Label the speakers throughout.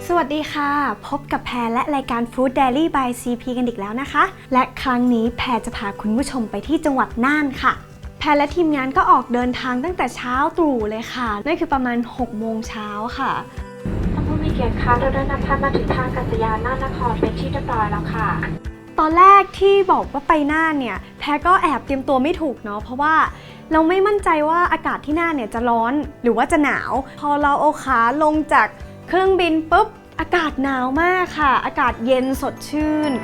Speaker 1: สวัสดีค่ะพบกับแพรและรายการ Food Diary by CP กันอีกแล้วนะคะและครั้งนี้แพรจะพาคุณผู้ชมไปที่จังหวัดน่านค่ะแพรและทีมงานก็ออกเดินทางตั้งแต่เช้าตรู่เลยค่ะนั่นคือประมาณ6 โมงเช้าค่ะ
Speaker 2: ท่านผู้มีเกียรติคะเราได้นำท่านมาถึงท่าอากาศยานน่านนครเป็นที่เรียบร้อยแล้วค่ะ
Speaker 1: ตอนแรกที่บอกว่าไปน่านเนี่ยแพรก็แอบเตรียมตัวไม่ถูกเนาะเพราะว่าเราไม่มั่นใจว่าอากาศที่น่านเนี่ยจะร้อนหรือว่าจะหนาวพอเราเอาขาลงจากเครื่องบินปุ๊บอากาศหนาวมากค่ะอากาศเย็นสดชื่น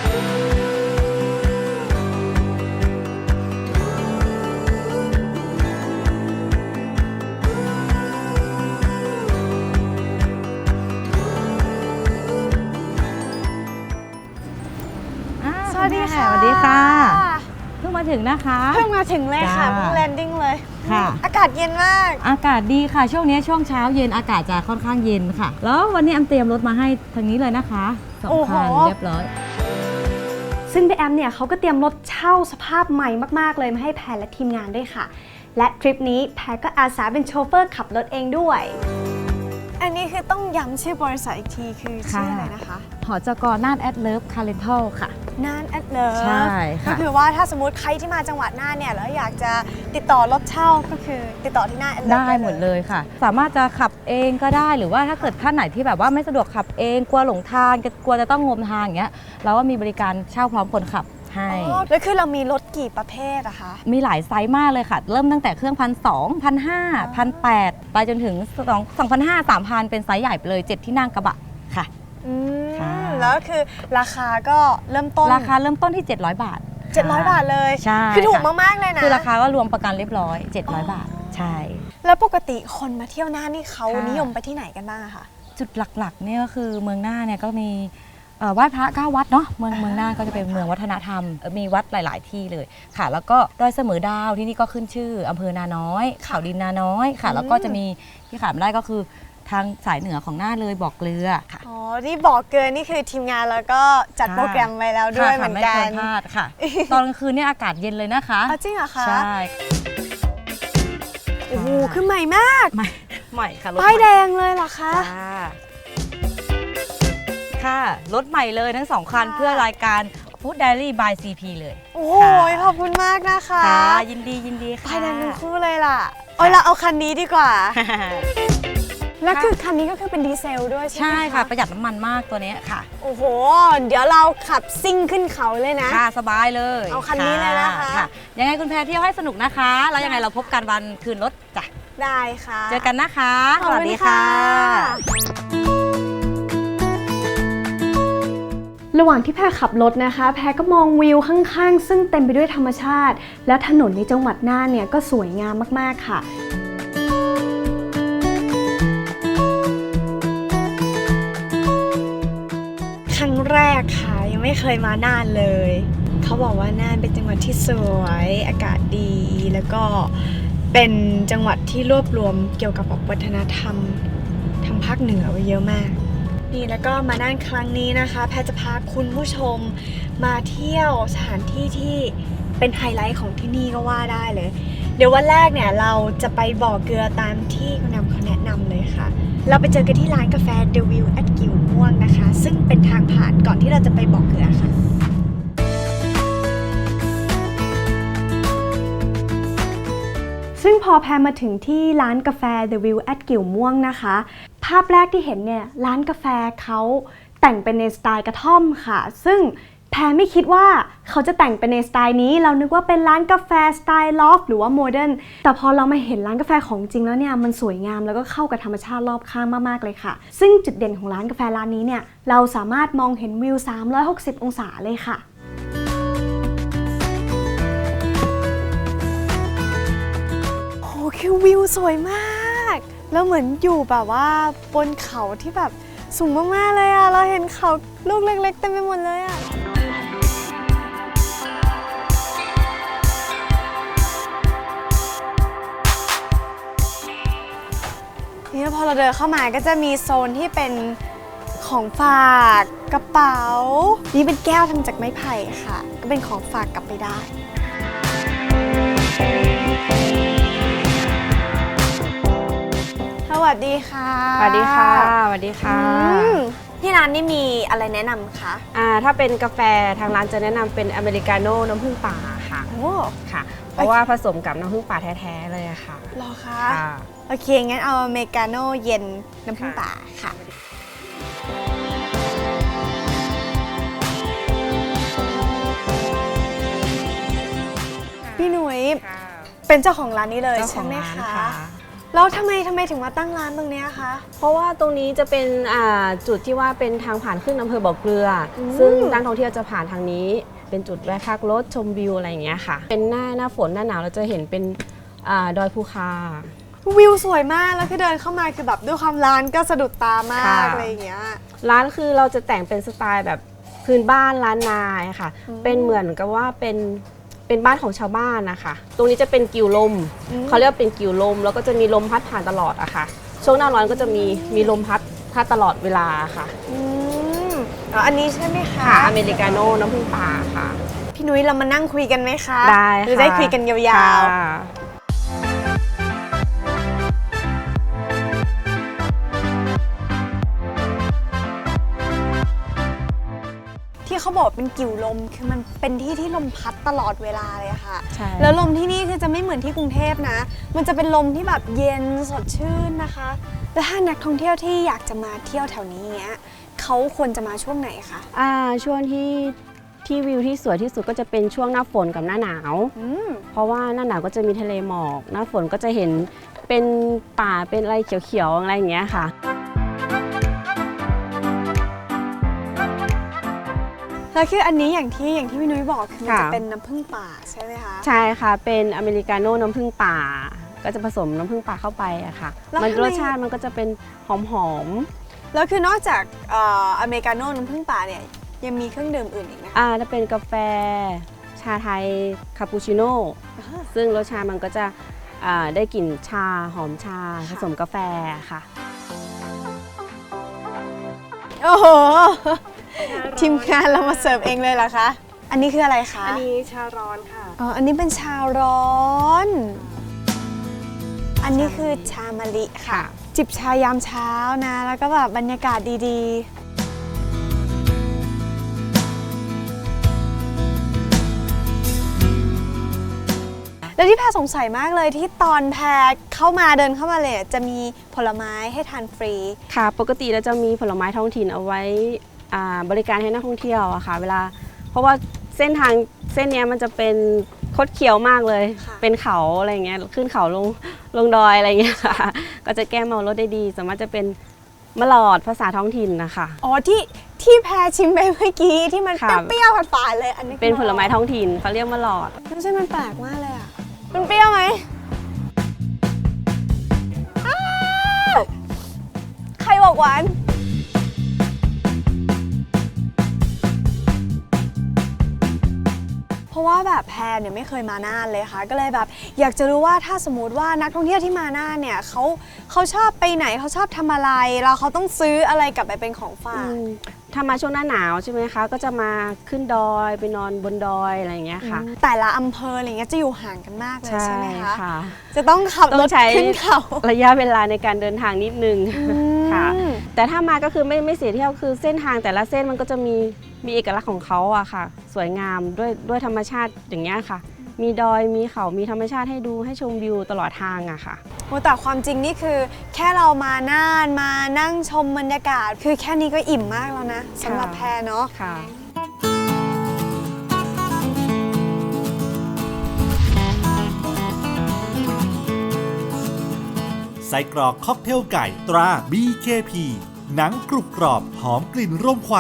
Speaker 1: สวัสดีค่ะ
Speaker 3: สวัสดีค่ะเพิ่งมาถึงนะคะ
Speaker 1: เพิ่งมาถึงเลยค่ะเพิ่งแลนดิ้งเลย
Speaker 3: ค่ะ
Speaker 1: อากาศเย็นมาก
Speaker 3: อากาศดีค่ะช่วงนี้ช่วงเช้าเย็นอากาศจะค่อนข้างเย็นค่ะแล้ววันนี้แอมเตรียมรถมาให้ทางนี้เลยนะคะ2 คันเรียบร้อย
Speaker 1: ซึ่งพี่แอมเนี่ยเขาก็เตรียมรถเช่าสภาพใหม่มากๆเลยมาให้แพรและทีมงานด้วยค่ะและทริปนี้แพรก็อาสาเป็นโชเฟอร์ขับรถเองด้วยอันนี้คือต้องย้ำชื่อบริษัทอีกทีคือชื่ออะไรนะคะ
Speaker 3: หจก.น่านแอดเลิฟคาร์เรนทัลค่ะ
Speaker 1: น่านแอดเลิฟ
Speaker 3: ใช่ค่ะ
Speaker 1: ก็คือว่าถ้าสมมติใครที่มาจังหวัดน่านเนี่ยแล้วอยากจะติดต่อรถเช่าก็คือติดต่อที่น่านแอดเลิฟ
Speaker 3: ได้หมดเลยค่ะสามารถจะขับเองก็ได้หรือว่าถ้าเกิดท่านไหนที่แบบว่าไม่สะดวกขับเองกลัวหลงทางกลัวจะต้องงมทางอย่างเงี้ยเราก็มีบริการเช่าพร้อมคนขับให้
Speaker 1: แล้วคือเรามีรถกี่ประเภทอะคะ
Speaker 3: มีหลายไซส์มากเลยค่ะเริ่มตั้งแต่เครื่อง1,200 1,500 1,800ไปจนถึง2,500 3,000เป็นไซส์ใหญ่ไปเลย7 ที่นั่งกระบะค่ะ
Speaker 1: แล้วคือราคาก็เริ่มต้น
Speaker 3: ราคาเริ่มต้นที่700 บาท
Speaker 1: 700 บาทเลย
Speaker 3: ใช่
Speaker 1: คือถูกมากๆเลยนะ
Speaker 3: คือราคาก็รวมประกันเรียบร้อย700 บาทใช่
Speaker 1: แล้วปกติคนมาเที่ยวน่านนี่เขานิยมไปที่ไหนกันบ้างอะคะ
Speaker 3: จุดหลักๆเนี่ยก็คือเมืองน่านเนี่ยก็มีไหว้พระ9 วัดเนาะเมืองน่านก็จะเป็นเมืองวัฒนธรรมมีวัดหลายๆที่เลยค่ะแล้วก็ดอยเสมอดาวที่นี่ก็ขึ้นชื่ออำเภอนาน้อยเขาดินนาน้อยค่ะแล้วก็จะมีที่ขาดไม่ได้ก็คือทางสายเหนือของน่านเลยบ่อเกลือค่ะ
Speaker 1: อ๋อที่บ่อเกลือนี่คือทีมงานแล้วก็จัดโปรแกรมไว้แล้วด้วยเหมือนกัน
Speaker 3: ไม่ควรพลาดค่ะตอนกลางคืนเนี่ยอากาศเย็นเลยนะคะ
Speaker 1: จริงเหรอคะ
Speaker 3: ใช่
Speaker 1: โอ้โหคือใหม่มาก
Speaker 3: ใหม่ค่ะ
Speaker 1: ป้ายแดงเลยเหรอคะ
Speaker 3: ค่ะรถใหม่เลยทั้ง2 คันเพื่อรายการ Food Diary by CP เลย
Speaker 1: โอ้ยขอบคุณมากนะคะ
Speaker 3: ยินดีค่ะ
Speaker 1: ป้ายแดงทั้งคู่เลยล่ะเราเอาคันนี้ดีกว่าแล้วคือคันนี้ก็คือเป็นดีเซลด้วยใช่ไหมคะ
Speaker 3: ใช่ค่ะประหยัดน้ำมันมากตัวนี้ค่ะ
Speaker 1: โอ้โหเดี๋ยวเราขับซิ่งขึ้นเขาเลยนะ
Speaker 3: ค่ะสบายเลย
Speaker 1: เอาคันนี้เลยนะคะ
Speaker 3: ยังไงคุณแพรเที่ยวให้สนุกนะคะแล้วยังไงเราพบกันวันคืนรถจ้ะ
Speaker 1: ได้ค่ะ
Speaker 3: เจอกันนะคะสวัสดีค่ะ
Speaker 1: ระหว่างที่แพรขับรถนะคะแพรก็มองวิวข้างๆซึ่งเต็มไปด้วยธรรมชาติและถนนในจังหวัดน่านเนี่ยก็สวยงามมากๆค่ะครั้งแรกค่ะยังไม่เคยมาน่านเลยเขาบอกว่าน่านเป็นจังหวัดที่สวยอากาศดีแล้วก็เป็นจังหวัดที่รวบรวมเกี่ยวกับวัฒนธรรมทางภาคเหนือไว้เยอะมากนี่แล้วก็มาน่านครั้งนี้นะคะแพรจะพาคุณผู้ชมมาเที่ยวสถานที่ที่เป็นไฮไลท์ของที่นี่ก็ว่าได้เลยเดี๋ยววันแรกเนี่ยเราจะไปบ่อเกลือตามที่คุณนำเขาแนะนำเลยค่ะเราไปเจอกันที่ร้านกาแฟ The View at กิ่วม่วงนะคะซึ่งเป็นทางผ่านก่อนที่เราจะไปบ่อเกลือค่ะซึ่งพอแพรมาถึงที่ร้านกาแฟ The View at กิ่วม่วงนะคะภาพแรกที่เห็นเนี่ยร้านกาแฟเขาแต่งเป็นในสไตล์กระท่อมค่ะซึ่งแพรไม่คิดว่าเขาจะแต่งเป็นในสไตล์นี้เรานึกว่าเป็นร้านกาแฟสไตล์ลอฟหรือว่าโมเดิร์นแต่พอเรามาเห็นร้านกาแฟของจริงแล้วเนี่ยมันสวยงามแล้วก็เข้ากับธรรมชาติรอบข้างมากๆเลยค่ะซึ่งจุดเด่นของร้านกาแฟร้านนี้เนี่ยเราสามารถมองเห็นวิว360 องศาเลยค่ะคือวิวสวยมากแล้วเหมือนอยู่แบบว่าบนเขาที่แบบสูงมากๆเลยอะเราเห็นเขาลูกเล็กๆเต็มไปหมดเลยอะนี่พอเราเดินเข้ามาก็จะมีโซนที่เป็นของฝากกระเป๋านี่เป็นแก้วทำจากไม้ไผ่ค่ะก็เป็นของฝากกลับไปได้ สวัสดีค่ะ
Speaker 4: สวัสดีค่ะสวัสดีค่ะ
Speaker 1: ที่ร้านนี่มีอะไรแนะนำคะ
Speaker 4: ถ้าเป็นกาแฟทางร้านจะแนะนำเป็นอเมริกาโน่น้ำผึ้งป่าค่ะ
Speaker 1: โอ้
Speaker 4: ค่ะ เพราะว่าผสมกับน้ำผึ้งป่าแท้ๆเลยอะค่ะ
Speaker 1: เหรอคะ
Speaker 4: ค่ะ
Speaker 1: โอเค งั้นเอาอเมริกาโน่เย็นน้ำผึ้งป่าค่ะ พี่หนุ่ยเป็นเจ้าของร้านนี้เลย
Speaker 4: เจ้าข
Speaker 1: ใช่
Speaker 4: อง
Speaker 1: ไหม
Speaker 4: ร้าน
Speaker 1: คะ
Speaker 4: ค่ะ
Speaker 1: แล้วทำไมถึงมาตั้งร้านตรงเนี้ยคะ
Speaker 4: เพราะว่าตรงนี้จะเป็นจุดที่ว่าเป็นทางผ่านขึ้นอำเภอบ่อเกลืออ
Speaker 1: ม
Speaker 4: ซึ่งนักท่องเที่ยวจะผ่านทางนี้ เป็นจุดแวะพักรถชมวิวอะไรอย่างเงี้ยค่ะ เป็นหน้าฝนหน้าหนาวเราจะเห็นเป็นดอยภูคา
Speaker 1: วิวสวยมากแล้วคือเดินเข้ามาคือแบบด้วยความร้านก็สะดุดตามาก
Speaker 4: ค่ะ
Speaker 1: อะไรอย่างเงี้ย
Speaker 4: ร้านคือเราจะแต่งเป็นสไตล์แบบพื้นบ้านล้านนาค่ะ
Speaker 1: อืม
Speaker 4: เป็นเหมือนกับว่าเป็นบ้านของชาวบ้านนะคะ ตรงนี้จะเป็นกิวลม
Speaker 1: อืม
Speaker 4: เขาเรียกว่าเป็นกิวลม แล้วก็จะมีลมพัดผ่านตลอดอะค่ะ ช่วงหน้าร้อนก็จะมีลมพัดตลอดเวลาค่ะ
Speaker 1: อืมอ๋ออันนี้ใช่ไหมคะ
Speaker 4: ค่ะอเมริกาโน่น้ำผึ้งป่าค่ะ
Speaker 1: พี่นุ้ยเรามานั่งคุยกันไหมคะ
Speaker 4: ได้
Speaker 1: หรือ
Speaker 4: ค่ะ
Speaker 1: ได้คุยกันยาวๆ
Speaker 4: ค่ะ
Speaker 1: ที่เขาบอกเป็นกิ่วลมคือมันเป็นที่ที่ลมพัดตลอดเวลาเลยอะค่ะ
Speaker 4: ใช่
Speaker 1: แล้วลมที่นี่คือจะไม่เหมือนที่กรุงเทพนะ มันจะเป็นลมที่แบบเย็นสดชื่นนะคะ แล้วถ้านักท่องเที่ยวที่อยากจะมาเที่ยวแถวนี้เนี้ยเขาควรจะมาช่วงไหนคะ
Speaker 4: ช่วงที่วิวที่สวยที่สุดก็จะเป็นช่วงหน้าฝนกับหน้าหนาว
Speaker 1: อืม
Speaker 4: เพราะว่าหน้าหนาวก็จะมีทะเลหมอก หน้าฝนก็จะเห็นเป็นป่าเป็นอะไรเขียวๆอะไรอย่างเงี้ยค่ะ
Speaker 1: แล้วคืออันนี้อย่างที่พี่นุ้ยบอกคือมัน
Speaker 4: ค่ะ
Speaker 1: จะเป็นน้ำผึ้งป่าใช่ไหมคะ
Speaker 4: ใช่ค่ะ เป็นอเมริกาโน่น้ำผึ้งป่า ก็จะผสมน้ำผึ้งป่าเข้าไปอะค่ะ
Speaker 1: แล้ว
Speaker 4: มัน
Speaker 1: ทำไม
Speaker 4: รสชาติมันก็จะเป็นหอม
Speaker 1: แล้วคือนอกจากอเมริกาโน่น้ำผึ้งป่าเนี่ยยังมีเครื่องดื่มอื่นอีกไหมคะ
Speaker 4: ถ้าเป็นกาแฟชาไทยคาปูชิโน่ ซึ่งรสชาติมันก็จะได้กลิ่นชาหอมชาผสมกาแฟค่ะ
Speaker 1: โอ้โห ทีมงานเรามาเสิร์ฟเองเลยเหรอคะ อันนี้คืออะไรคะ
Speaker 4: อันนี้ชาร้อนค่ะ
Speaker 1: อ๋อ อันนี้เป็นชาร้อน อันนี้คือชามะลิค่ะ
Speaker 4: ค่ะ
Speaker 1: จิบชายามเช้านะ แล้วก็แบบบรรยากาศดีๆ แล้วที่แพรสงสัยมากเลยที่ตอนแพรเข้ามาเดินเข้ามาเลยจะมีผลไม้ให้ทานฟรี
Speaker 4: ค่ะ ปกติเราจะมีผลไม้ท้องถิ่นเอาไว้บริการให้นักท่องเที่ยวอะค่ะ เวลา เพราะว่าเส้นทางเส้นเนี้ยมันจะเป็นคดเคี้ยวมากเลย
Speaker 1: ค่ะ
Speaker 4: เป็นเขาอะไรเงี้ย ขึ้นเขาลงดอยอะไรเงี้ยค่ะ ก็จะแก้เมารถได้ดี สามารถจะเป็นมะหลอดภาษาท้องถิ่นนะคะ
Speaker 1: อ๋อที่แพรชิมไปเมื่อกี้ที่มัน
Speaker 4: ค่ะ
Speaker 1: เปรี้ยวๆฝาดๆเลยอันนี้
Speaker 4: เป็นผลไม้ท้องถิ่นเขาเรียกมะหลอด
Speaker 1: ไม่ใช่มันแปลกมากเลยอ่ะมันเปรี้ยวไหมอ้าวใครบอกหวานเพราะว่าแบบแพรเนี่ยไม่เคยมาน่านเลยค่ะ ก็เลยแบบอยากจะรู้ว่าถ้าสมมติว่านักท่องเที่ยวที่มาน่านเนี่ยเขาชอบไปไหนเขาชอบทำอะไรแล้วเขาต้องซื้ออะไรกลับไปเป็นของฝาก
Speaker 4: ถ้ามาช่วงหน้าหนาวใช่ไหมคะ ก็จะมาขึ้นดอยไปนอนบนดอยอะไรอย่างเงี้ยค่ะ
Speaker 1: แต่ละอำเภออะไรเงี้ยจะอยู่ห่างกันมากเลยใช่ไหมคะ
Speaker 4: ค่ะ
Speaker 1: จะต้องขับ
Speaker 4: ต้
Speaker 1: ร
Speaker 4: อ
Speaker 1: ถ
Speaker 4: งใช้
Speaker 1: ขึ้นเขา
Speaker 4: ระยะเวลาในการเดินทางนิดนึง
Speaker 1: ม
Speaker 4: ค่ะ แต่ถ้ามาก็คือไม่เสียเที่ยวคือเส้นทางแต่ละเส้นมันก็จะมีเอกลักษณ์ของเขาอะค่ะ สวยงามด้วยธรรมชาติอย่างเงี้ยค่ะ มีดอยมีเขามีธรรมชาติให้ดูให้ชมวิวตลอดทางอะค่ะ
Speaker 1: โอ้แต่ความจริงนี่คือแค่เรามาน่านมานั่งชมบรรยากาศ คือแค่นี้ก็อิ่มมากแล้วนะสำหรับแพรเนาะ
Speaker 4: ค่ะ
Speaker 5: ไส้กรอกค็อกเทลไก่ตรา BKP หนังกรุบกรอบหอมกลิ่นร่มควัน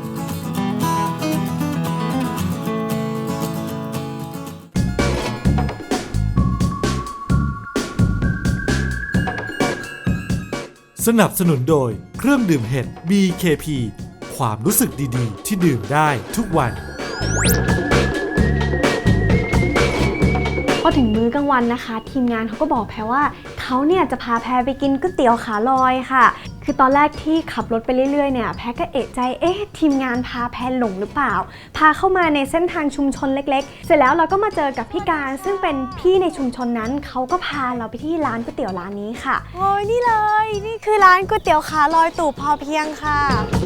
Speaker 5: สนับสนุนโดยเครื่องดื่มเห็ด BKP ความรู้สึกดีๆ ที่ดื่มได้ทุกวัน
Speaker 6: พอถึงมื้อกลางวันนะคะ ทีมงานเขาก็บอกแพรว่าเขา
Speaker 1: เขาเนี่ยจะพาแพรไปกินก๋วยเตี๋ยวขาลอยค่ะคือตอนแรกที่ขับรถไปเรื่อยๆเนี่ยแพรก็เอะใจทีมงานพาแพรหลงหรือเปล่าพาเข้ามาในเส้นทางชุมชนเล็กๆเสร็จแล้วเราก็มาเจอกับพี่การซึ่งเป็นพี่ในชุมชนนั้นเขาก็พาเราไปที่ร้านก๋วยเตี๋ยวร้านนี้ค่ะโอ้ยนี่เลยนี่คือร้านก๋วยเตี๋ยวขาลอยตู่พอเพียงค่ะ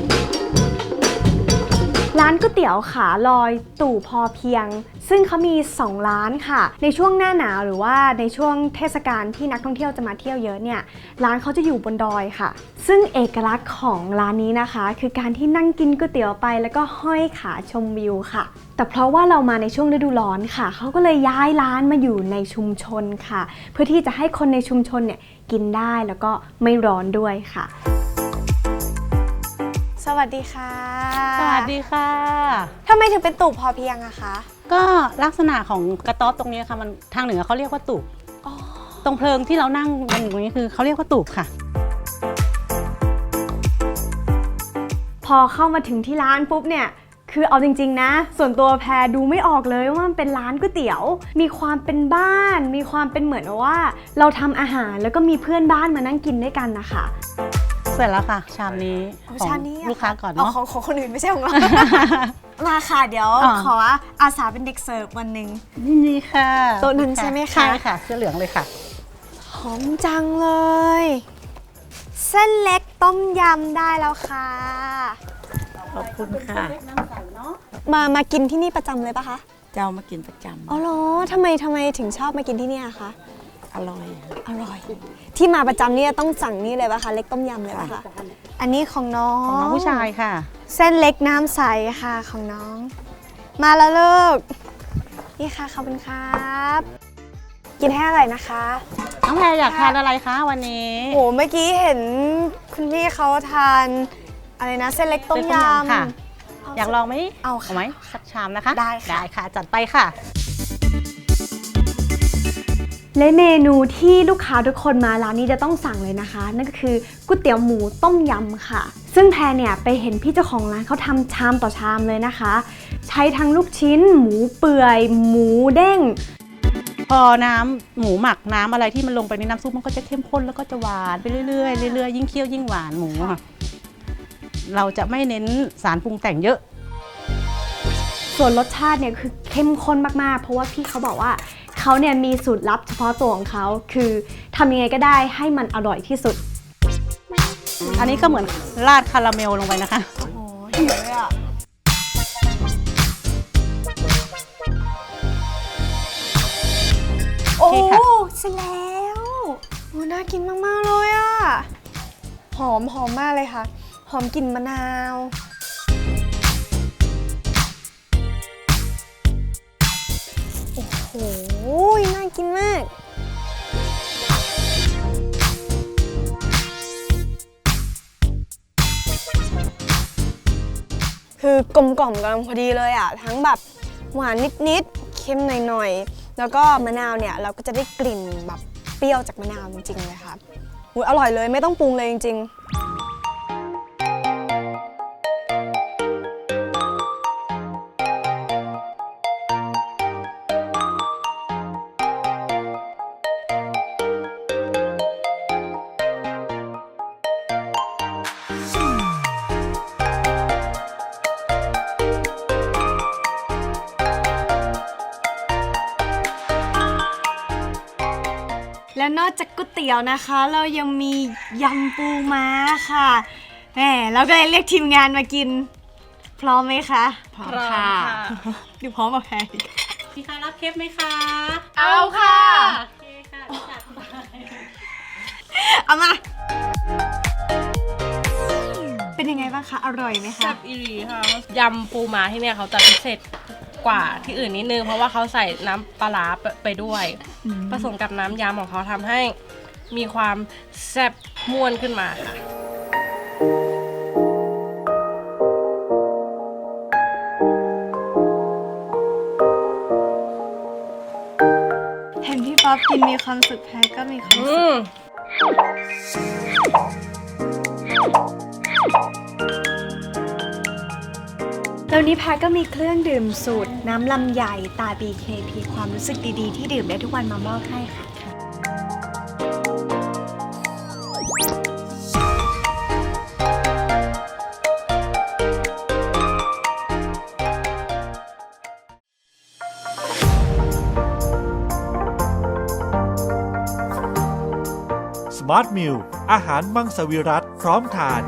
Speaker 1: ร้านก๋วยเตี๋ยวขาลอยตู่พอเพียงซึ่งเขามี2ร้านค่ะในช่วงหน้าหนาวหรือว่าในช่วงเทศกาลที่นักท่องเที่ยวจะมาเที่ยวเยอะเนี่ยร้านเขาจะอยู่บนดอยค่ะซึ่งเอกลักษณ์ของร้านนี้นะคะคือการที่นั่งกินก๋วยเตี๋ยวไปแล้วก็ห้อยขาชมวิวค่ะแต่เพราะว่าเรามาในช่วงฤดูร้อนค่ะเขาก็เลยย้ายร้านมาอยู่ในชุมชนค่ะเพื่อที่จะให้คนในชุมชนเนี่ยกินได้แล้วก็ไม่ร้อนด้วยค่ะสวัสดีค่ะ
Speaker 6: สวัสดีค่ะ
Speaker 1: ทำไมถึงเป็นตู่พอเพียงอะคะ
Speaker 6: ก็ลักษณะของกระต๊อบตรงนี้ค่ะมันทางเหนือเขาเรียกว่าตูบตรงเพลิงที่เรานั่งกันอยู่ตรงนี้คือเขาเรียกว่าตูบค่ะ
Speaker 1: พอเข้ามาถึงที่ร้านปุ๊บเนี่ยคือเอาจริงๆนะส่วนตัวแพรดูไม่ออกเลยว่ามันเป็นร้านก๋วยเตี๋ยวมีความเป็นบ้านมีความเป็นเหมือนว่าเราทำอาหารแล้วก็มีเพื่อนบ้านมานั่งกินด้วยกันนะคะ
Speaker 6: เสร็จแล้วค่ะชามนี้ของลูกค้าก่อนเนาะ
Speaker 1: ของคนอื่นไม่ใช่ของเรา มาค่ะเดี๋ยวขออาสาเป็นเด็กเสิร์ฟวันหนึ่ง
Speaker 6: นี่ค่ะ
Speaker 1: โต๊ะนั้นใช่ไหมคะ
Speaker 6: ใช่ค่ะเสื้อเหลืองเลยค่ะ
Speaker 1: หอมจังเลยเส้นเล็กต้มยำได้แล้วค่ะ
Speaker 6: ขอบคุณค่ะ
Speaker 1: มากินที่นี่ประจำเลยปะคะ
Speaker 6: เจ้ามากินประจำ
Speaker 1: อ๋อเหรอทำไมถึงชอบมากินที่นี่คะ
Speaker 6: อร่อย
Speaker 1: ที่มาประจำนี่ต้องสั่งนี่เลยปะคะเล็กต้มยำเลยปะคะอันนี้ของน้อง
Speaker 6: ผู้ชายค่ะ
Speaker 1: เส้นเล็กน้ำใสค่ะของน้องมาแล้วลูกนี่ค่ะขอบคุณครับกินให้อร่อยนะคะ
Speaker 6: น้องแพรอยากทานอะไรคะวันนี้
Speaker 1: โหเมื่อกี้เห็นคุณพี่เขาทานอะไรนะเส้นเล็กต้มยำ
Speaker 6: ค่ะอยากลองไหม
Speaker 1: เอา
Speaker 6: ไหมสักชามนะคะ
Speaker 1: ได้
Speaker 6: ค่ะจัดไปค่ะ
Speaker 1: และเมนูที่ลูกค้าทุกคนมาร้านนี้จะต้องสั่งเลยนะคะนั่นก็คือก๋วยเตี๋ยวหมูต้มยำค่ะซึ่งแพรเนี่ยไปเห็นพี่เจ้าของร้านเขาทำชามต่อชามเลยนะคะใช้ทั้งลูกชิ้นหมูเปื่อยหมูเด้ง
Speaker 6: พอน้ำหมูหมักน้ำอะไรที่มันลงไปในน้ำซุปมันก็จะเข้มข้นแล้วก็จะหวานไปเรื่อยๆยิ่งเคี่ยวยิ่งหวานหมูค่ะเราจะไม่เน้นสารปรุงแต่งเยอะ
Speaker 1: ส่วนรสชาติเนี่ยคือเข้มข้นมากๆเพราะว่าพี่เขาบอกว่าเขาเนี่ยมีสูตรลับเฉพาะตัวของเขาคือทำยังไงก็ได้ให้มันอร่อยที่สุด
Speaker 6: อันนี้ก็เหมือนราดคาราเมลลงไปนะคะ
Speaker 1: โอ้โหหิวเลยอ่ะโอ้เสร็จแล้วโอ้น่ากินมากๆเลยอ่ะหอมมากเลยค่ะหอมกลิ่นมะนาวโอ้โหน่ากินมากคือกลมกล่อมกำลังพอดีเลยอ่ะทั้งแบบหวานนิดๆเค็มหน่อยๆแล้วก็มะนาวเนี่ยเราก็จะได้กลิ่นแบบเปรี้ยวจากมะนาวจริงๆเลยค่ะอร่อยเลยไม่ต้องปรุงเลยจริงๆและนอกจากก๋วยเตี๋ยวนะคะเรายังมียำปูม้าค่ะแหมเราก็เลยเรียกทีมงานมากินพร้อมไหมคะ
Speaker 6: พร้อมค่ะ
Speaker 1: ดูพร้อมกับแพร
Speaker 6: พี่คะรับเคปไหมคะ
Speaker 1: เอาค่ะ
Speaker 6: โอเคค่ะจัดไป
Speaker 1: เอามาเป็นยังไงบ้างคะอร่อยไหมคะ
Speaker 7: แซ่บอีหลีค่ะยำปูม้าที่เนี่ยเขาจะพิเศษกว่าที่อื่นนิดนึงเพราะว่าเขาใส่น้ำปลาร้าไปด้วยผสมกับน้ำยำของเขาทำให้มีความแซ่บม่วนขึ้นมาค่ะ
Speaker 1: เห็นพี่ป๊อปกินมีความสุขแพรก็มีความสุขแล้วนี้แพรก็มีเครื่องดื่มสูตรน้ำลำไยตา BKP ความรู้สึกดีๆที่ดื่มได้ทุกวันมามอบให้ค่ะ
Speaker 5: Smart Meal อาหารมังสวิรัติพร้อมทาน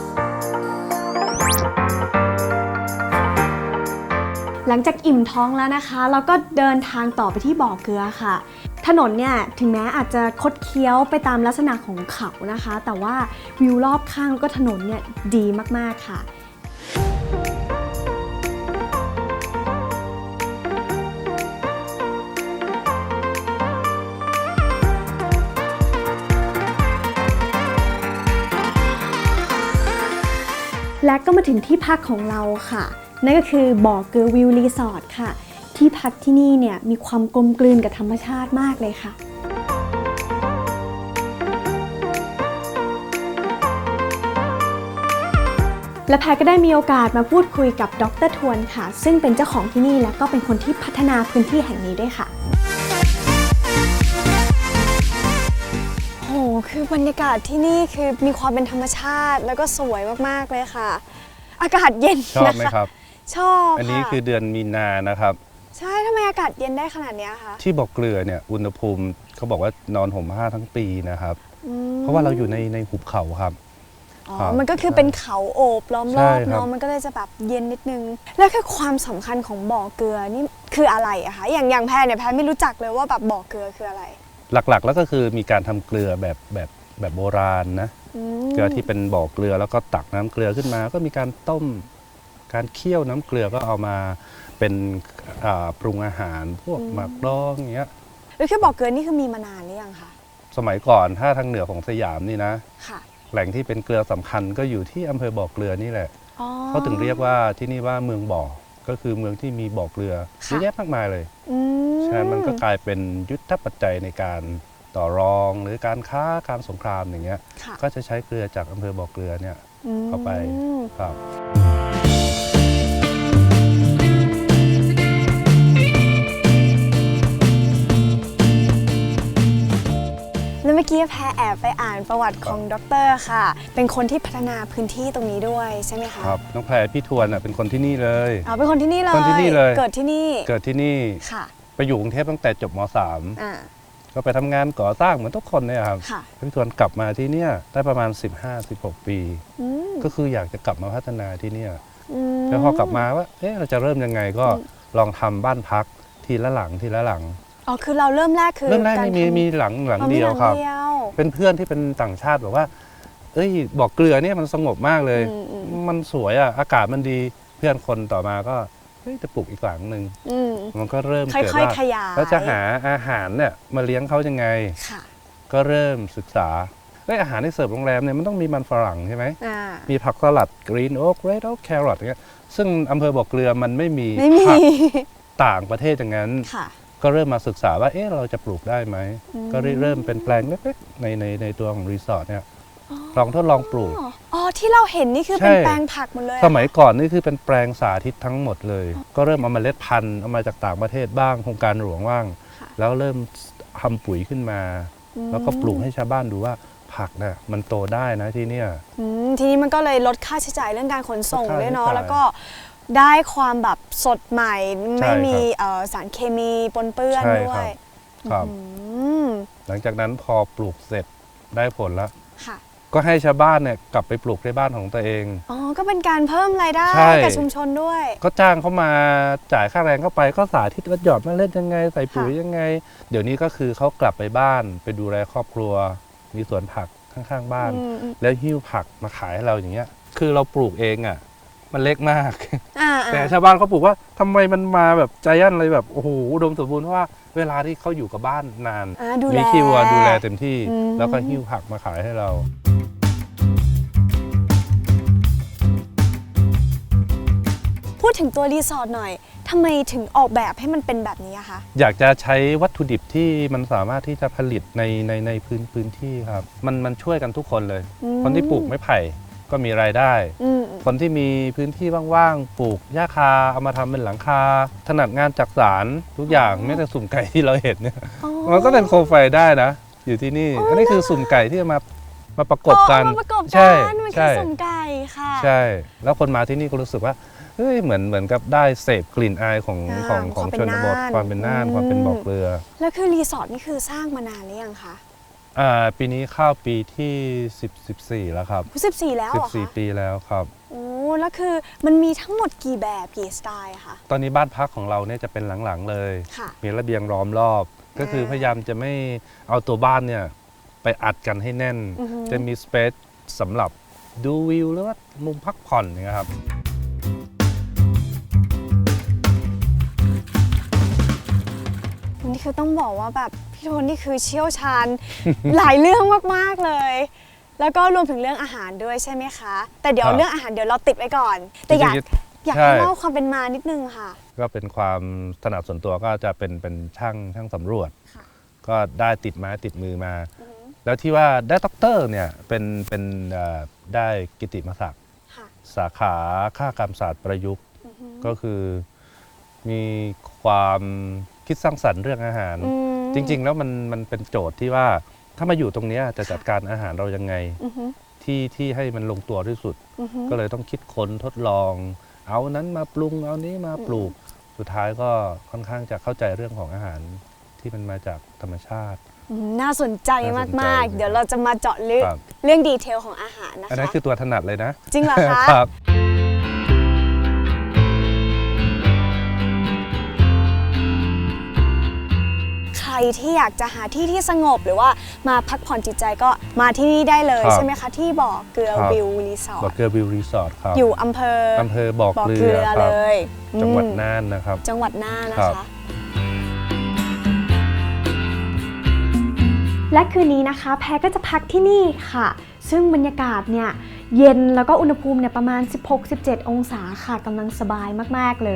Speaker 1: หลังจากอิ่มท้องแล้วนะคะ เราก็เดินทางต่อไปที่บ่อเกลือค่ะ ถนนเนี่ยถึงแม้อาจจะคดเคี้ยวไปตามลักษณะของเขานะคะ แต่ว่าวิวรอบข้างแล้วก็ถนนเนี่ยดีมากๆค่ะ และก็มาถึงที่พักของเราค่ะ นั่นก็คือบ่อเกลือวิวรีสอร์ทค่ะ ที่พักที่นี่เนี่ยมีความกลมกลืนกับธรรมชาติมากเลยค่ะ และแพรก็ได้มีโอกาสมาพูดคุยกับดร.ทวนค่ะ ซึ่งเป็นเจ้าของที่นี่และก็เป็นคนที่พัฒนาพื้นที่แห่งนี้ด้วยค่ะโหคือบรรยากาศที่นี่คือมีความเป็นธรรมชาติแล้วก็สวยมากๆเลยค่ะ อากาศเย็น
Speaker 8: ชอบ
Speaker 1: นะ
Speaker 8: ไหม
Speaker 1: คะ
Speaker 8: ครับ
Speaker 1: ชอบ
Speaker 8: อันนี้
Speaker 1: ค่ะ
Speaker 8: คือเดือนมีนานะครับ
Speaker 1: ใช่ทำไมอากาศเย็นได้ขนาดเนี้ยคะ
Speaker 8: ที่บ่อเกลือเนี่ยอุณหภูมิเขาบอกว่านอนห่มผ้าทั้งปีนะครับ
Speaker 1: อืม
Speaker 8: เพราะว่าเราอยู่ในหุบเขาครับ
Speaker 1: อ๋อ
Speaker 8: ครับ
Speaker 1: มันก็คือเป็นเขาโอบล้อมร
Speaker 8: ใช่
Speaker 1: อบ
Speaker 8: ครับ
Speaker 1: เนาะมันก็เลยจะแบบเย็นนิดนึง แล้วคือความสำคัญของบ่อเกลือนี่คืออะไรอะคะอย่างแพรเนี่ยแพรไม่รู้จักเลยว่าแบบบ่อเกลือคืออะไร
Speaker 8: หลักๆ แล้วก็คือมีการทำเกลือแบบโบราณนะ
Speaker 1: อืม
Speaker 8: เกลือที่เป็นบ่อเกลือแล้วก็ตักน้ำเกลือขึ้นมา ก็มีการต้มการเคี่ยวน้ำเกลือก็เอามาเป็นปรุงอาหารพวกหมักดองอย่างเงี้ย
Speaker 1: แล้วคือบ่อเกลือนี่คือมีมานานหรือยังคะ
Speaker 8: สมัยก่อนถ้าทางเหนือของสยามนี่นะ
Speaker 1: ค่ะ
Speaker 8: แหล่งที่เป็นเกลือสำคัญก็อยู่ที่อำเภอบ่อเกลือนี่แหละ
Speaker 1: อ๋อ
Speaker 8: เขาถึงเรียกว่าที่นี่ว่าเมืองบ่อ ก็คือเมืองที่มีบ่อเกลือ
Speaker 1: ค่ะ
Speaker 8: เยอะแยะมากมายเลย
Speaker 1: อืม
Speaker 8: ฉะนั้นมันก็กลายเป็นยุทธปัจจัยในการต่อรองหรือการค้าการสงครามอย่างเงี้ย
Speaker 1: ค่ะ
Speaker 8: ก็จะใช้เกลือจากอำเภอบ่อเกลือเนี่ย
Speaker 1: ม
Speaker 8: เข้าไปครับ
Speaker 1: แล้วเมื่อกี้แพรแอบไปอ่านประวัติของดร.ค่ะ เป็นคนที่พัฒนาพื้นที่ตรงนี้ด้วยใช่ไหมคะ
Speaker 8: ครับน้องแพรพี่ทวนเป็นคนที่นี่เลย
Speaker 1: อ๋อเป็นคนที่นี่เลย
Speaker 8: คนที่นี่เลย
Speaker 1: เกิดที่นี่
Speaker 8: เกิดที่นี่
Speaker 1: ค่ะ
Speaker 8: ไปอยู่กรุงเทพตั้งแต่จบม
Speaker 1: อ่า
Speaker 8: .3 ก็ไปทำงานก่อสร้างเหมือนทุกคนเนี่ยครับ
Speaker 1: ค่ะ
Speaker 8: พี่ทวนกลับมาที่เนี่ยได้ประมาณ 15-16 ปี
Speaker 1: อืม
Speaker 8: ก็คืออยากจะกลับมาพัฒนาที่เนี่ย
Speaker 1: อืม
Speaker 8: แล้วพอกลับมาว่าเราจะเริ่มยังไงก็ลองทำบ้านพักทีละหลังทีละหลัง
Speaker 1: อ๋อคือเราเริ่มแรกคือ
Speaker 8: เริ่มแรก
Speaker 1: าร
Speaker 8: นี่
Speaker 1: ทำ
Speaker 8: มีหลัง
Speaker 1: อ๋อ
Speaker 8: เดียว
Speaker 1: มีหลัง
Speaker 8: ครับ
Speaker 1: เดียว
Speaker 8: เป็นเพื่อนที่เป็นต่างชาติบอกว่าบอกเกลือเนี่ยมันสงบมากเลย มันสวยอากาศมันดีเพื่อนคนต่อมาก็จะปลูกอีกหลังหนึ่ง
Speaker 1: อืม
Speaker 8: มันก็เริ่ม
Speaker 1: ค่
Speaker 8: เกิด
Speaker 1: อย
Speaker 8: ว่า
Speaker 1: ๆขยาย
Speaker 8: แล้วจะหาอาหารเนี่ยมาเลี้ยงเขายังไง
Speaker 1: ค่ะ
Speaker 8: ก็เริ่มศึกษาอาหารที่เสิร์ฟโรงแรมเนี่ยมันต้องมีมันฝรั่งใช่ไหม
Speaker 1: อ่า
Speaker 8: มีผักสลัดกรีนโอ๊กเรดโอ๊กแครอทอย่างเงี้ยซึ่งอำเภอบ่อเกลือมันไม่มี
Speaker 1: ไม่มี
Speaker 8: ผักต่างประเทศอย่างนั้น
Speaker 1: ค่ะ
Speaker 8: ก็เริ่มมาศึกษาว่าเราจะปลูกได้ไหม
Speaker 1: อืม
Speaker 8: ก็เริ่มเป็นแปลงเล็กๆในตัวของรีสอร์ทเนี่ยลองทดลองปลูก
Speaker 1: อ๋อที่เราเห็นนี่คือเป็น
Speaker 8: ใช่
Speaker 1: แปลงผักหมดเลย
Speaker 8: สมัยก่อนนี่คือเป็นแปลงสาธิตทั้งหมดเลย ก็เริ่มเอาเมล็ดพันธุ์เอามาจากต่างประเทศบ้างโครงการหลวงบ้าง
Speaker 1: ค่ะ
Speaker 8: แล้วเริ่มทำปุ๋ยขึ้นมา แล้วก็ปลูกให้ชาวบ้านดูว่าผักน่ะมันโตได้นะที่เนี่ย
Speaker 1: ทีนี้มันก็เลยลดค่าใช้จ่ายเรื่องการขนส่ง
Speaker 8: ลดค่า
Speaker 1: ด้วยเนาะ
Speaker 8: ใช้จ่าย
Speaker 1: แล้วก็ได้ความแบบสดใหม่
Speaker 8: ใช่
Speaker 1: ไม่มี
Speaker 8: ครับ
Speaker 1: สารเคมีปนเปื้อน
Speaker 8: ใช่
Speaker 1: ด้ว
Speaker 8: ครั
Speaker 1: ย
Speaker 8: บ ครับ
Speaker 1: อืม
Speaker 8: หลังจากนั้นพอปลูกเสร็จได้ผลแล้ว
Speaker 1: ค่ะ
Speaker 8: ก็ให้ชาวบ้านเนี่ยกลับไปปลูกในบ้านของตัวเอง
Speaker 1: อ๋อ ก็เป็นการเพิ่มรายได้
Speaker 8: ใช่
Speaker 1: กับชุมชนด้วย
Speaker 8: ก็จ้างเขามาจ่ายค่าแรงเข้าไปก็สาธิตว่าหยอดเมล็ดยังไงใส่ปุ๋ย
Speaker 1: ค่ะ
Speaker 8: ยังไง เดี๋ยวนี้ก็คือเขากลับไปบ้านไปดูแลครอบครัว มีสวนผักข้างๆบ้าน
Speaker 1: อืม
Speaker 8: แล้วหิ้วผักมาขายให้เราอย่างเงี้ย คือเราปลูกเองอ่ะ มันเล็กมาก
Speaker 1: อ่า
Speaker 8: แต่ชาวบ้านเขาปลูกว่าทำไมมันมาแบบใจยันเลยแบบโอ้โหอุดมสมบูรณ์เพราะว่าเวลาที่เขาอยู่กับบ้านนาน
Speaker 1: ดูแล
Speaker 8: มีคิวดูแลเต็มที่
Speaker 1: อืม
Speaker 8: แล้วก็หิ้วผักมาขายให้เรา
Speaker 1: พูดถึงตัวรีสอร์ทหน่อยทำไมถึงออกแบบให้มันเป็นแบบนี้อะคะ
Speaker 8: อยากจะใช้วัตถุดิบที่มันสามารถที่จะผลิตในพื้นที่ครับมันช่วยกันทุกคนเลย
Speaker 1: อืม
Speaker 8: คนที่ปลูกไม้ไผ่ก็มีรายได้
Speaker 1: อืม
Speaker 8: คนที่มีพื้นที่ว่างๆปลูกหญ้าคาเอามาทำเป็นหลังคา ถนัดงานจักสานทุกอย่างแม้แต่สุ่มไก่ที่เราเห็นเนี่ย
Speaker 1: อ๋อ
Speaker 8: มันก็เป็นโคมไฟได้นะ อยู่ที่นี่
Speaker 1: อ๋ออั
Speaker 8: อันนี้คือสุ่มไก่ที่เอามาประกบกัน
Speaker 1: เอามาประกบ
Speaker 8: ใช่
Speaker 1: กันมันคื
Speaker 8: ใช่
Speaker 1: อสุ่มไก่ค่ะ
Speaker 8: ใช่ แล้วคนมาที่นี่ก็รู้สึกว่าเฮ้ยเหมือนกับได้เสพกลิ่นอายของ
Speaker 1: ความเป็น
Speaker 8: ชนบท
Speaker 1: น่าน
Speaker 8: ความเป็นน่าน
Speaker 1: อืม
Speaker 8: ความเป็นบ่อเกลือ
Speaker 1: แล้วคือรีสอร์ทนี่คือสร้างมานานหรือยังคะ
Speaker 8: ปีนี้เข้าปีที่14แล้วครับ
Speaker 1: 14แล้วเหรอคะ
Speaker 8: 14 ปีแล้วครับ
Speaker 1: โอ้แล้วคือมันมีทั้งหมดกี่แบบกี่สไตล์อะคะ
Speaker 8: ตอนนี้บ้านพักของเราเนี่ยจะเป็นหลังๆเลย
Speaker 1: ค่ะ
Speaker 8: มีระเบียงล้อมรอบ ก็คือพยายามจะไม่เอาตัวบ้านเนี่ยไปอัดกันให้แน่น จะมีสเปซสำหรับดูวิวหรือว่ามุมพักผ่อนอย่างเงี้ยครับ
Speaker 1: นี่คือต้องบอกว่าแบบพี่โทนนี่คือเชี่ยวชาญ หลายเรื่องมากๆเลย แล้วก็รวมถึงเรื่องอาหารด้วยใช่ไหมคะ แต่เดี๋ยว
Speaker 8: ครับ
Speaker 1: เรื่องอาหารเดี๋ยวเราติดไว้ก่อน แต่อยาก
Speaker 8: จริงๆ
Speaker 1: ให้
Speaker 8: ใช่
Speaker 1: เล่าความเป็นมานิดนึงค่ะ
Speaker 8: ก็เป็นความถนัดส่วนตัวก็จะเป็นช่างสำรวจ
Speaker 1: ค่ะ
Speaker 8: ก็ได้ติดไม้ติดมือมา แล้วที่ว่าได้ด็อกเตอร์เนี่ยเป็นได้กิตติมศักดิ์
Speaker 1: ค่ะ
Speaker 8: สาขาคหกรรมศาสตร์ประยุกต์ ก็คือมีความคิดสร้างสรรค์เรื่องอาหาร จริงๆ แล้วมันเป็นโจทย์ที่ว่าถ้ามาอยู่ตรงเนี้ยจะจัดการอาหารเรายังไงที่ให้มันลงตัวที่สุด ก็เลยต้องคิดค้นทดลอง เอานั้นมาปรุงเอานี้มาปลูก สุดท้ายก็ค่อนข้างจะเข้าใจเรื่องของอาหารที่มันมาจากธรรมชาติ
Speaker 1: น่าสนใจ
Speaker 8: น่าสนใจ
Speaker 1: มากๆ เดี๋ยวเราจะมาเจาะลึก
Speaker 8: ครับ
Speaker 1: เรื่องดีเทลของอาหารนะ
Speaker 8: อันนั้น
Speaker 1: คะ
Speaker 8: คือตัวถนัดเลยนะ
Speaker 1: จริงเหรอคะ
Speaker 8: ครับ
Speaker 1: ใครที่อยากจะหาที่ที่สงบหรือว่ามาพักผ่อนจิตใจก็มาที่นี่ได้เลย
Speaker 8: ครับ
Speaker 1: ใช่ไหมคะ ที่บ่อเกลือ
Speaker 8: ครับ
Speaker 1: วิวรีสอ
Speaker 8: บ่อ
Speaker 1: ร์ท
Speaker 8: เกลือวิวรีสอร์ทครับ
Speaker 1: อยู่อำเภอ
Speaker 8: บ่อ
Speaker 1: บ่อ
Speaker 8: เก
Speaker 1: เก
Speaker 8: ลื
Speaker 1: ลื
Speaker 8: อ
Speaker 1: อ
Speaker 8: ค
Speaker 1: เล
Speaker 8: รับ
Speaker 1: ย
Speaker 8: จังหวัด
Speaker 1: อืม
Speaker 8: น่านนะครับ
Speaker 1: จังหวัดน่านนะ
Speaker 8: ครั
Speaker 1: คะ
Speaker 8: บ
Speaker 2: และคืนนี้นะคะแพรก็จะพักที่นี่ค่ะ ซึ่งบรรยากาศเนี่ยเย็นแล้วก็อุณหภูมิเนี่ยประมาณ 16-17 องศาค่ะกำลังสบายมากๆเลย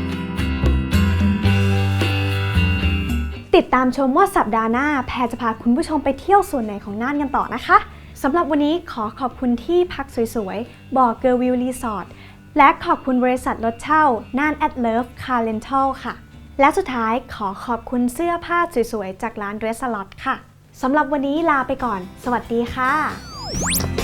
Speaker 2: ติดตามชมว่าสัปดาห์หน้าแพรจะพาคุณผู้ชมไปเที่ยวส่วนไหนของน่านกันต่อนะคะสำหรับวันนี้ขอขอบคุณที่พักสวยๆบ่อเกอร์วิวรีสอร์ทและขอบคุณบริษัทรถเช่าน่านแอดเลิฟคาร์เรนทัลค่ะและสุดท้ายขอขอบคุณเสื้อผ้าสวยๆจากร้านเดรสลอตค่ะสำหรับวันนี้ลาไปก่อน สวัสดีค่ะ